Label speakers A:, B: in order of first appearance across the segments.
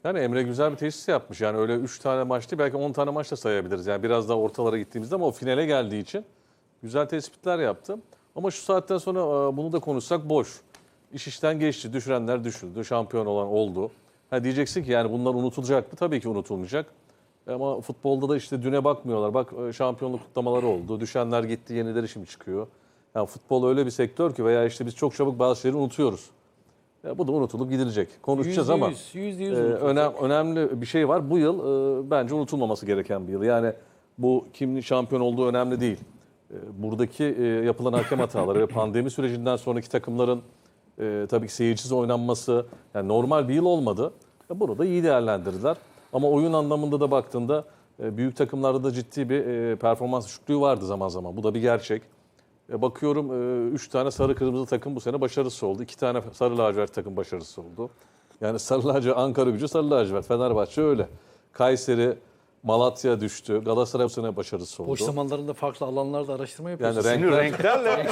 A: Yani Emre güzel bir teşhis yapmış. Yani öyle 3 tane maç değil, belki 10 tane maç da sayabiliriz. Yani biraz daha ortalara gittiğimizde, ama o finale geldiği için güzel tespitler yaptım. Ama şu saatten sonra bunu da konuşsak boş. İş işten geçti. Düşürenler düşüldü. Şampiyon olan oldu. Ha, diyeceksin ki yani bunlar unutulacak mı? Tabii ki unutulmayacak. Ama futbolda da işte düne bakmıyorlar. Bak, şampiyonluk kutlamaları oldu. Düşenler gitti, yenileri şimdi çıkıyor. Yani futbol öyle bir sektör ki, veya işte biz çok çabuk bazı şeyleri unutuyoruz. Bu da unutulup gidilecek. Konuşacağız ama önemli bir şey var. Bu yıl bence unutulmaması gereken bir yıl. Yani bu kimin şampiyon olduğu önemli değil. Buradaki yapılan hakem hataları ve pandemi sürecinden sonraki takımların tabii ki seyircisiz oynanması, yani normal bir yıl olmadı. Bunu da iyi değerlendirdiler. Ama oyun anlamında da baktığında büyük takımlarda da ciddi bir performans düşüklüğü vardı zaman zaman. Bu da bir gerçek. Bakıyorum 3 tane sarı kırmızı takım bu sene başarısız oldu. 2 tane sarı lacivert takım başarısız oldu. Yani sarı lacivert, Ankaragücü sarı lacivert, Fenerbahçe öyle. Kayseri, Malatya düştü. Galatasaray bu sene başarısız oldu.
B: Boş zamanlarında farklı alanlarda araştırma yapıyorsun.
A: Yani renklerle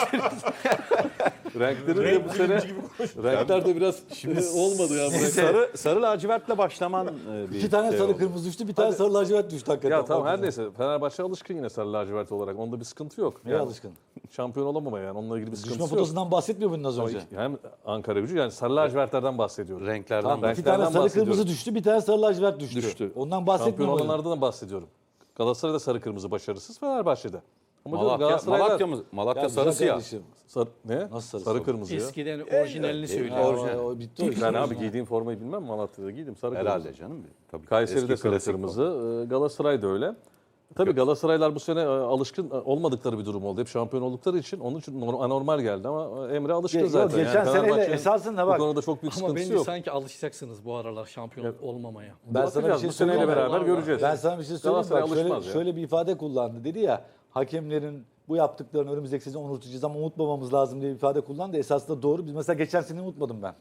A: renkleri de bu sene renkler de biraz olmadı ya.
C: Sarı lacivertle başlaman bir
D: 2 tane
C: şey
D: sarı
C: oldu.
D: kırmızı düştü, bir tane sarı lacivert düştü hakikaten.
A: Ya tamam, her neyse. Fenerbahçe alışkın yine sarı lacivert olarak. Onda bir sıkıntı yok.
D: Neye alışkın?
A: Şampiyon olamamaya, yani onunla ilgili bir
D: Düşme
A: sıkıntı yok.
D: fotosundan bahsetmiyor muydun az önce?
A: Hem Ankaragücü, yani sarı lacivertlerden bahsediyorum.
C: Renklerden
D: Tamam, 2
A: renklerden
D: tane sarı
A: bahsediyorum.
D: kırmızı düştü, bir tane sarı lacivert düştü. Ondan bahsetmiyor
A: Şampiyon
D: muydun?
A: olanlardan da bahsediyorum. Galatasaray'da sarı kırmızı başarısız, Fenerbahçe'de. Ama
C: Malatya
D: Ya
C: sarı
D: güzel
C: siyah.
D: kardeşim.
A: Ne?
D: Nasıl
A: sarı kırmızı ya.
B: Eskiden orijinalini söylüyor.
D: Orijinal. O bitti o iş.
A: Ben abi giydiğim formayı bilmem, Malatya'da giydim sarı kırmızı.
C: Herhalde canım. Tabii.
A: Kayseri'de
C: Eski
A: sarı
C: klasik
A: kırmızı, Galatasaray'da öyle. Tabii Galatasaraylar bu sene alışkın olmadıkları bir durum oldu. Hep şampiyon oldukları için onun için anormal geldi, ama Emre alışkın
D: Yok,
A: zaten.
D: geçen seneyle
A: Fenerbahçe'nin
D: esasında
A: bu
D: bak.
A: konuda çok büyük
B: Ama
A: sıkıntısı
B: bence
A: yok.
B: sanki alışacaksınız bu aralar şampiyon olmamaya.
D: Ben sana bir
A: Bakacağız,
D: şey
A: bu seneyle
D: söyleyeyim mi?
A: beraber göreceğiz.
D: Ben sana bir şey söyleyeyim mi?
A: Galatasaray
D: Bak,
A: alışmaz ya.
D: şöyle bir ifade kullandı. Dedi ya, hakemlerin bu yaptıklarını önümüzdeki sezon unutacağız ama unutmamamız lazım diye bir ifade kullandı. Esasında doğru. Biz mesela geçen sene unutmadım ben.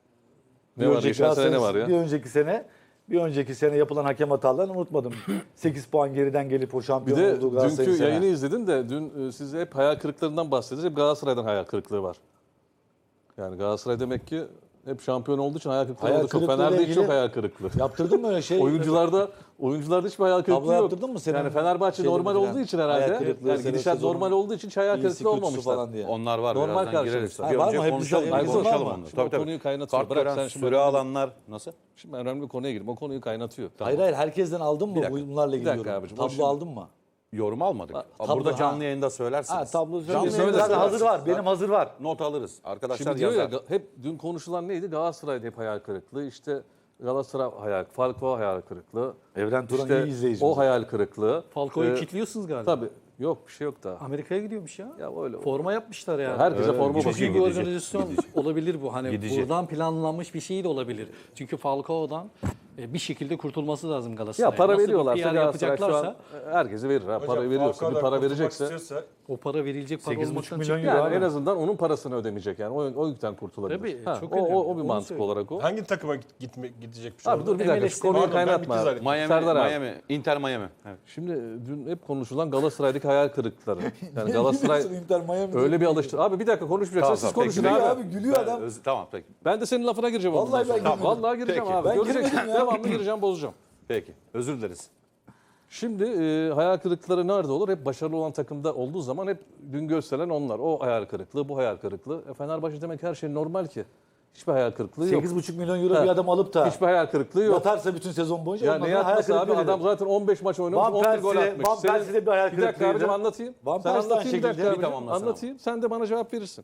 A: Ne var? Geçen sene ne var ya?
D: Bir önceki sene yapılan hakem hatalarını unutmadım. 8 puan geriden gelip o
A: Bir
D: şampiyon
A: de
D: olduğu Galatasaray'ın
A: dünkü
D: sene.
A: yayını izledim de, dün siz hep hayal kırıklarından bahsediyorsunuz. Hep Galatasaray'dan hayal kırıklığı var. Yani Galatasaray demek ki hep şampiyon olduğu için hayal kırıklığı
D: Hayal
A: oldu. Çok
D: kırıklığıyla
A: Fener'de hiç
D: ilgili-
A: yok hayal kırıklığı.
D: Yaptırdın mı öyle şey?
A: Oyuncularda hiçbir hayal kırıklığı
D: Tablo
A: yok.
D: yaptırdın mı senin
A: Yani Fenerbahçe
D: şeyde
A: normal
D: falan?
A: olduğu için
D: Hayal
A: herhalde.
D: kırıklığı,
A: Yani
D: sene
A: gidişat
D: sezonu,
A: normal olduğu için hiç hayal
D: İyisi,
A: kırıklığı
D: kötüsü
A: olmamışlar.
D: falan diye.
C: Onlar var.
A: Normal
C: Birazdan gireriz.
A: karşılaştılar.
C: Bir
D: Ha, var
C: önce
D: mı? Hep
C: konuşalım.
D: güzel-
C: Bir
D: Bunlar
C: konuşalım
D: mı?
C: onu.
A: Şimdi
C: Tabii
A: o
C: tabii.
A: konuyu kaynatıyor.
C: Kart
A: Bırak
C: gören
A: sen şimdi
C: süre
A: önemli-
C: alanlar nasıl?
A: Şimdi önemli bir konuya girdim. O konuyu kaynatıyor.
D: Hayır, herkesten aldın mı bunlarla ilgili
A: dakika
D: yorum?
A: abicim, o
D: Tablo
A: şimdi-
D: aldın mı?
C: Yorum almadık.
D: tablo,
C: Burada canlı
D: ha.
C: yayında söylersiniz.
D: Ha, tablo
C: Canlı
D: söyleyeyim.
C: yayında
D: Zaten hazır
C: söylersiniz.
D: var. Benim hazır var.
C: Not alırız. Arkadaşlar
A: Şimdi diyor ya,
C: yazar.
A: hep dün konuşulan neydi? Galatasaray'da hep hayal kırıklığı. İşte Galatasaray Falcao hayal kırıklığı.
D: Evren Turan
A: İşte
D: iyi izleyicimiz.
A: o hayal kırıklığı.
B: Falcao'yu
A: Ee,
B: kilitliyorsunuz galiba.
A: Tabii. Yok, bir şey yok daha.
B: Amerika'ya gidiyormuş ya.
A: Ya öyle.
B: Forma yapmışlar yani.
A: Herkese forma
C: gidecek.
A: bakıyor.
B: Çünkü bir
C: Gidecek.
B: organizasyon olabilir bu. Hani
C: Gidecek.
B: buradan planlanmış bir şey de olabilir. Çünkü Falcao'dan bir şekilde kurtulması lazım Galatasaray'a.
A: Ya para
B: Nasıl bir
A: veriyorlarsa
B: PR
A: Galatasaray şu an
B: yapacaklarsa
A: herkese verir. Ha, para veriyorsa, bir para verecekse.
B: o para verilecek para
D: 8,5
B: olmaktan
D: milyon
B: çıkıyor.
D: euro
A: Yani
D: abi.
A: en azından onun parasını ödemeyecek yani. O yükten kurtulabilir.
B: Tabii, çok
A: o
B: önemli.
A: bir
B: Onu
A: mantık
B: söyleyeyim.
A: olarak o.
E: Hangi takıma gidecekmiş
A: Abi dur bir dakika, şu
B: MLS'te
A: konuyu
E: Pardon, ben
A: kaynatma
E: bitti
A: abi.
E: zannettim.
A: Serdar abi.
C: Miami, Inter Miami. Evet.
A: Şimdi dün hep konuşulan Galatasaray'daki hayal kırıklıkları. Yani Galatasaray
D: Inter Miami
A: öyle bir alıştı. Abi bir dakika konuşmayacaksan siz
C: Tamam,
A: konuşun
C: peki.
A: abi.
D: abi gülüyor adam.
C: Tamam peki.
A: Ben de senin lafına gireceğim.
D: Vallahi
A: ondan sonra.
D: ben girmedim.
A: Vallahi gireceğim
C: Peki.
A: abi.
D: Ben
A: Göreceksin.
D: girmedim ya.
A: Devamlı gireceğim, bozacağım.
C: Peki. Özür dileriz.
A: Şimdi hayal kırıklıkları nerede olur? Hep başarılı olan takımda olduğu zaman hep dün gösterilen onlar. O hayal kırıklığı, bu hayal kırıklığı. Fenerbahçe demek her şey normal ki. Hiçbir hayal kırıklığı yok.
D: 8,5 milyon euro
A: Ha.
D: bir adam alıp da
A: Hiçbir hayal kırıklığı yok.
D: yatarsa bütün sezon boyunca
A: Ya
D: ondan
A: ne
D: sonra hayal
A: yatması abi?
D: kırıklığı
A: Adam
D: nedir?
A: zaten 15 maç oynamış,
D: Van
A: 11 gol
D: Persie'de-
A: atmış.
D: Van Persie'de bir hayal
A: Bir dakika
D: kırıklığıydı.
A: abicim anlatayım.
D: Van
A: Sen
D: Persie de aynı
A: anlatayım bir dakika
D: şekilde.
A: abicim.
C: Tamamlasana.
A: Anlatayım. Sen de bana cevap verirsin.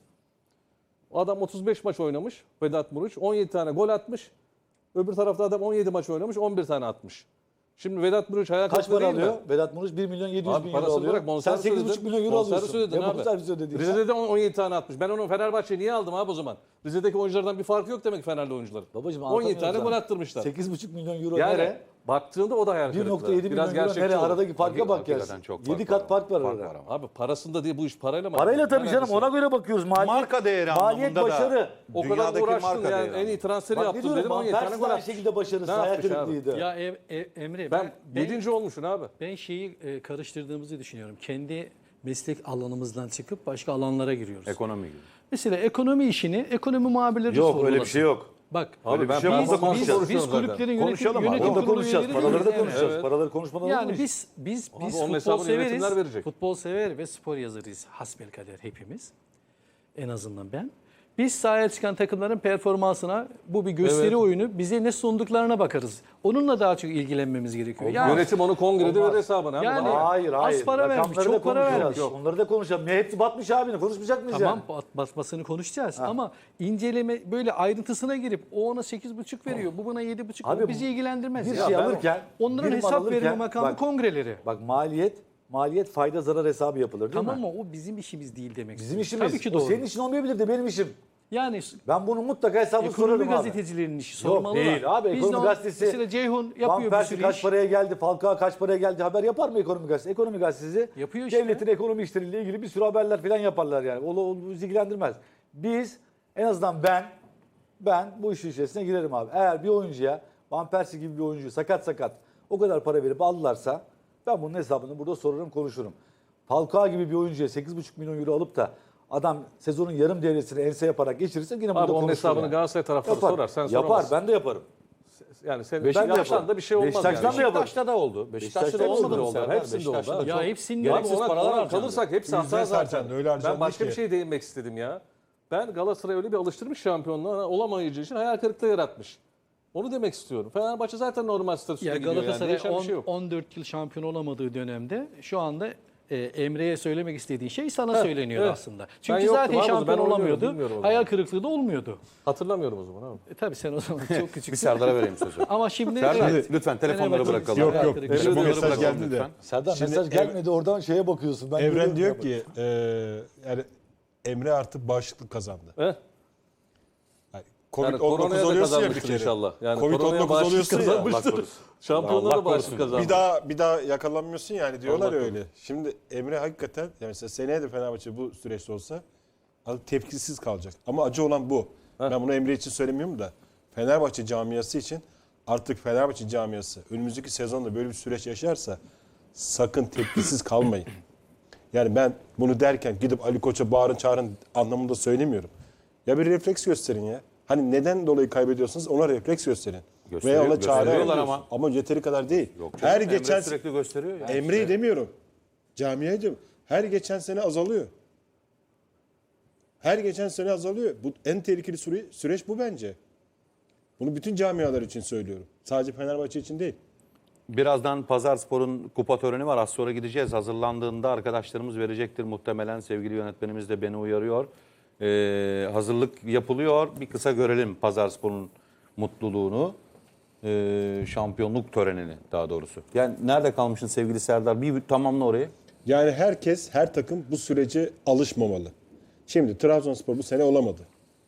A: O adam 35 maç oynamış. Vedat Muriç 17 tane gol atmış. Öbür tarafta adam 17 maç oynamış, 11 tane atmış. Şimdi Vedat Muriç hayal
D: Kaç
A: kırıklığı
D: para
A: değil mi?
D: alıyor? Vedat Muriç 1 milyon 700
A: Abi
D: bin euro
A: parasını
D: alıyor.
A: bırak,
D: Sen
A: bonservis
D: 8,5 milyon euro
A: Bonservis
D: alıyorsun.
A: ödedin
D: Ne
A: abi.
D: bonservis ödedin?
A: Rize'de de 17 tane atmış. Ben onu Fenerbahçe'ye niye aldım abi o zaman? Rize'deki oyunculardan bir farkı yok demek ki Fenerli oyuncuların.
D: Babacım
A: 17 tane
D: anlatamıyoruz
A: gol
D: ha.
A: attırmışlar.
D: 8,5 milyon euro
A: Yani
D: nere?
A: baktığında o da hayal kırıklığı.
D: 1,7 milyon euro
A: gerçekçi
D: nere?
A: ol.
D: Aradaki farka bak ya.
C: Hakikaten çok
D: 7
C: fark
D: kat
C: var.
D: fark var
C: Fark
D: arada.
C: var ama.
A: Abi parasında değil, bu iş parayla mı?
D: Parayla tabii
A: Alakası
D: canım,
A: yok.
D: ona göre bakıyoruz. Maliyet,
C: Marka değeri
D: maliyet
C: anlamında da
D: başarı.
A: O kadar
C: dünyadaki
A: uğraştın
C: marka
A: yani,
C: değeri
A: en iyi transferi
D: Bak ne
A: yaptın
D: diyorum,
A: dedim,
D: Van
A: 17 tane
D: Persie
A: gol
D: de aynı
A: atmış.
D: şekilde başarısız.
A: Ne
D: Hayal
A: yapmış abi?
D: kırıklığıydı.
B: Ya Emre
A: Ben 7. olmuşsun abi.
B: ben şeyi karıştırdığımızı düşünüyorum. Kendi meslek alanımızdan çıkıp başka alanlara giriyoruz.
C: Ekonomi gibi.
B: Mesela ekonomi işini ekonomi muhabirleri
D: Yok
B: sorgulasın.
D: öyle bir şey yok.
B: Bak
A: Abi ben
C: şey var.
B: biz,
C: Burada konuşacağız.
B: biz kulüplerin yönetim,
C: Konuşalım abi.
B: yönetim
D: Onu da
B: kurulu
D: konuşacağız.
B: üyeleri
D: Paraları da
B: değiliz
D: konuşacağız.
A: Evet.
D: Paraları konuşmadan olur mu
B: Yani
D: iş?
B: biz
A: onun
B: futbol
A: hesabını yönetimler
B: severiz.
A: verecek.
B: Futbol sever ve spor yazarıyız. Hasbelkader hepimiz. En azından ben. Biz sahaya çıkan takımların performansına bu bir gösteri
A: Evet.
B: oyunu. Bize ne sunduklarına bakarız. Onunla daha çok ilgilenmemiz gerekiyor. Yani,
A: Yönetim onu kongrede
D: Olmaz.
A: verir hesabını.
B: Yani-
D: Hayır hayır.
B: Az para vermiş,
D: Rakamları da
B: çok para
D: konuşacağız.
B: vermiş.
D: Yok. Onları da konuşalım. Hepsi batmış abi. Konuşmayacak mıyız
B: tamam
D: yani?
B: basmasını konuşacağız ama inceleme böyle ayrıntısına girip o ona 8,5 veriyor. Bu buna 7,5.
D: Abi
B: O bizi ilgilendirmez.
D: Bir
B: ya.
D: şey
B: Ben-
D: alırken
B: Onların
D: bir mal
B: hesap
D: alırken-
B: verme makamı
D: bak,
B: kongreleri.
D: Bak maliyet fayda zarar hesabı yapılır değil
B: Tamam
D: mi?
B: mı? O bizim işimiz değil demek.
D: Bizim
B: istiyorum.
D: işimiz.
B: Tabii ki
D: O
B: doğru.
D: senin işin olmayabilir de benim işim.
B: Yani
D: Ben bunu mutlaka hesabını
B: ekonomi
D: sorarım abi.
B: gazetecilerinin işi
D: Yok,
B: sormalılar.
D: değil abi.
B: Biz
D: Ekonomi
B: de o-
D: gazetesi-
B: Mesela Ceyhun
D: Van
B: yapıyor bir
D: Persie
B: sürü
D: kaç
B: iş.
D: paraya geldi, Falcao kaç paraya geldi haber yapar mı ekonomi gazetesi? Ekonomi gazetesi
B: Yapıyor işte.
D: devletin ekonomi işleriyle ilgili bir sürü haberler falan yaparlar yani. O bizi ilgilendirmez. Biz en azından ben bu işin içerisine girerim abi. Eğer bir oyuncuya Van Persie gibi bir oyuncu sakat o kadar para verip aldılarsa ben bunun hesabını burada sorarım konuşurum. Falcao gibi bir oyuncuya 8,5 milyon euro alıp da adam sezonun yarım devresini ense yaparak geçirirse yine burada
A: Abi onun
D: konuşuruz
A: hesabını
D: yani.
A: Galatasaray taraftarı
D: Yapar.
A: sorar. Sen
D: Yapar
A: soramazsın.
D: ben de yaparım.
A: Yani sen
D: Ben de
A: yapsan
D: yaparım.
A: da bir şey olmaz
D: Beşiktaş'tan
A: yani.
D: da yaparım.
C: Beşiktaş'ta da oldu. Beşiktaş'ta da
D: Beşiktaş'ta
C: olmadı
A: da
C: mı
A: oldu.
C: Serdar?
A: Hepsinde
C: Beşiktaş'ta
A: oldu.
C: da
B: Ya
C: çok
B: hepsinin
C: gereksiz
A: Abi ona
C: paralar harcandı.
A: kalırsak hepsi
E: Yüzde
A: hata
E: zaten,
A: zaten.
E: öyle harcandı
A: Ben başka
E: ki.
A: bir şey değinmek istedim ya. Ben Galatasaray'ı öyle bir alıştırmış şampiyonluğa olamayacağı için hayal kırıklığı yaratmış. Onu demek istiyorum. Fenerbahçe zaten normal statüsünde
B: Ya
A: gidiyor yani.
B: Galatasaray
A: Değişen bir şey yok.
B: 14 yıl şampiyon olamadığı dönemde şu anda Emre'ye söylemek istediğin şey sana söyleniyor
A: evet.
B: aslında. Çünkü
A: yoktum
B: zaten
A: abi, ben
B: şampiyon
A: oynuyorum,
B: olamıyordu.
A: bilmiyorum o zaman.
B: Hayal kırıklığı da olmuyordu.
A: Hatırlamıyorum o zaman abi.
B: Tabii sen o zaman çok
C: Bir
B: küçüksün.
C: Serdar'a vereyim sözü.
B: Ama şimdi
C: Serdar
B: evet.
C: lütfen telefonları
B: Fenerbahçe-
C: bırakalım.
E: Yok,
B: Hayal
E: yok.
B: kırıklığı.
E: İşte bu
C: Telefonları
E: mesaj
C: bırakalım
E: geldi de.
C: lütfen.
D: Serdar
E: Şimdi
D: mesaj gelmedi oradan şeye bakıyorsun. Ben
E: Evren
D: görüyorum
E: diyor
D: ya.
E: ki yani Emre artık bağışıklık kazandı.
A: Eh?
E: Yani
A: Yani
E: Covid-19
A: koronaya da
E: oluyorsun ya bir
A: kazanmıştır
E: kere.
A: inşallah. Yani koronaya
E: Covid-19
A: bağışıklık
E: oluyorsun ya.
A: kazanmıştır. Şampiyonluğa
C: Allah
A: da bağışıklık
C: korusun.
A: kazandı.
E: Bir daha yakalanmıyorsun yani diyorlar
A: Allah
E: ya öyle. Şimdi Emre hakikaten yani mesela seneye de Fenerbahçe bu süreçte olsa tepkisiz kalacak. Ama acı olan bu. Ben bunu Emre için söylemiyorum da Fenerbahçe camiası için artık Fenerbahçe camiası önümüzdeki sezonda böyle bir süreç yaşarsa sakın tepkisiz kalmayın. Yani ben bunu derken gidip Ali Koç'a bağırın çağırın anlamında söylemiyorum. Ya bir refleks gösterin ya. Hani neden dolayı kaybediyorsunuz ona refleks gösterin.
C: Gösteriyor-
E: Veya ona çare
C: gösteriyorlar
E: arıyorsun. Ama yeteri kadar değil.
C: Yok,
E: Her
C: Emre
E: geçen
C: sürekli gösteriyor. Yani
E: Emre'yi demiyorum. Camiayı diyorum. Her geçen sene azalıyor. Her geçen sene azalıyor. Bu en tehlikeli süreç bu bence. Bunu bütün camialar için söylüyorum. Sadece Fenerbahçe için değil.
C: Birazdan Pazarspor'un kupa töreni var. Az sonra gideceğiz. Hazırlandığında arkadaşlarımız verecektir muhtemelen. Sevgili yönetmenimiz de beni uyarıyor. Hazırlık yapılıyor. Bir kısa görelim Pazarspor'un mutluluğunu. Şampiyonluk törenini daha doğrusu. Yani nerede kalmışsın sevgili Serdar? Bir tamamla orayı.
E: Yani herkes, her takım bu sürece alışmamalı. Şimdi Trabzonspor bu sene olamadı.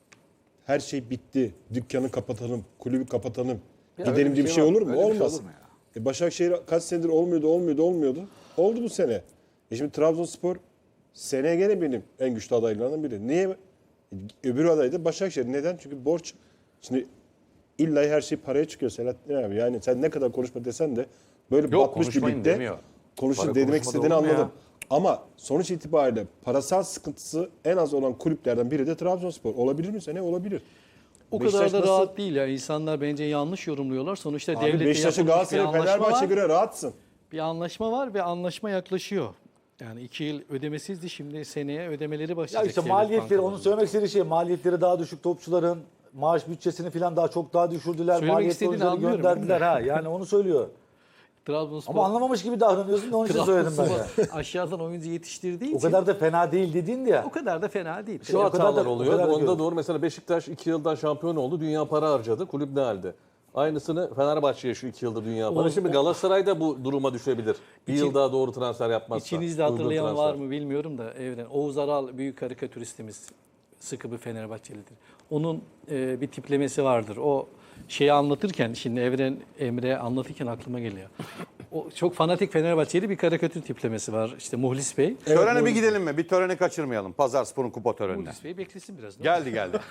E: Her şey bitti. Dükkanı kapatalım, kulübü kapatalım. Gidelim diye bir şey olur mu? Olmaz. Başakşehir kaç senedir olmuyordu. Oldu bu sene. Şimdi Trabzonspor seneye gene benim en güçlü adaylarından biri. Niye? Öbür aday da Başakşehir. Neden? Çünkü borç. Şimdi illa her şey paraya çıkıyor Selahattin abi. Yani sen ne kadar konuşma desen de böyle
C: Yok,
E: batmış bir
C: konuşmayın
E: ligde
C: demiyor.
E: konuşun
C: Para
E: demek
C: konuşmada
E: istediğini
C: olur mu ya?
E: anladım. Ama sonuç itibariyle parasal sıkıntısı en az olan kulüplerden biri de Trabzonspor. Olabilir mi sene? Olabilir.
B: O
E: Beşiktaş
B: kadar da
E: nasıl-
B: rahat değil ya. İnsanlar bence yanlış yorumluyorlar. Sonuçta
E: Abi
B: devlette
E: Beşiktaş'a,
B: yapılmış bir
E: Galatasaray,
B: anlaşma
E: Fenerbahçe
B: var.
E: göre rahatsın.
B: Bir anlaşma var ve anlaşma yaklaşıyor. Yani 2 yıl ödemesizdi. Şimdi seneye ödemeleri
D: Ya
B: başlayacak.
D: işte
B: devlet
D: maliyetleri,
B: bankalarında.
D: onu söylemek istediği şey maliyetleri daha düşük topçuların maaş bütçesini falan çok daha düşürdüler.
B: Söylemek
D: Maliyetli
B: istediğini
D: oyuncuları
B: anlıyorum,
D: gönderdiler ha. Yani onu söylüyor.
B: Trabzonspor,
D: Ama anlamamış gibi davranıyorsun da onun için söyledim ben ya.
B: Trabzonspor aşağıdan oyuncu yetiştirdiği
D: O
B: için
D: kadar da fena değil dedin ya.
B: o kadar da fena değil.
A: Şu
D: o kadar
A: hatalar
D: da- o
A: oluyor.
D: kadar da
A: Onda
D: diyorum.
A: doğru. Mesela Beşiktaş 2 yıldan şampiyon oldu. Dünya para harcadı. Kulüp ne halde? Aynısını Fenerbahçe'ye şu 2 yıldır dünya para. Şimdi Galatasaray da bu duruma düşebilir. Bir yıl daha doğru transfer yapmazsa.
B: İçinizde
A: uygun
B: hatırlayan
A: transfer.
B: var mı bilmiyorum da Evren. Oğuz Aral büyük karikatüristimiz. Sıkı bir Fenerbahçelidir. Onun bir tiplemesi vardır. O şeyi anlatırken şimdi Emre anlatırken aklıma geliyor. O çok fanatik Fenerbahçeli bir karikatür tiplemesi var. İşte Muhlis Bey.
C: Törene bir gidelim mi? Bir töreni kaçırmayalım. Pazarspor'un kupa törenine.
B: Muhlis Bey beklesin biraz.
C: Geldi.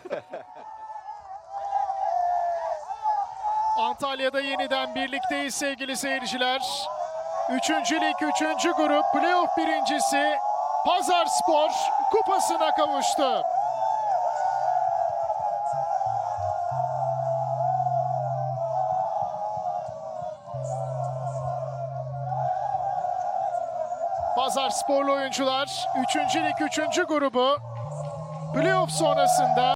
F: Antalya'da yeniden birlikteyiz sevgili seyirciler. 3. lig 3. grup playoff birincisi Pazarspor kupasına kavuştu. Pazarsporlu oyuncular 3. lig 3. grubu playoff sonrasında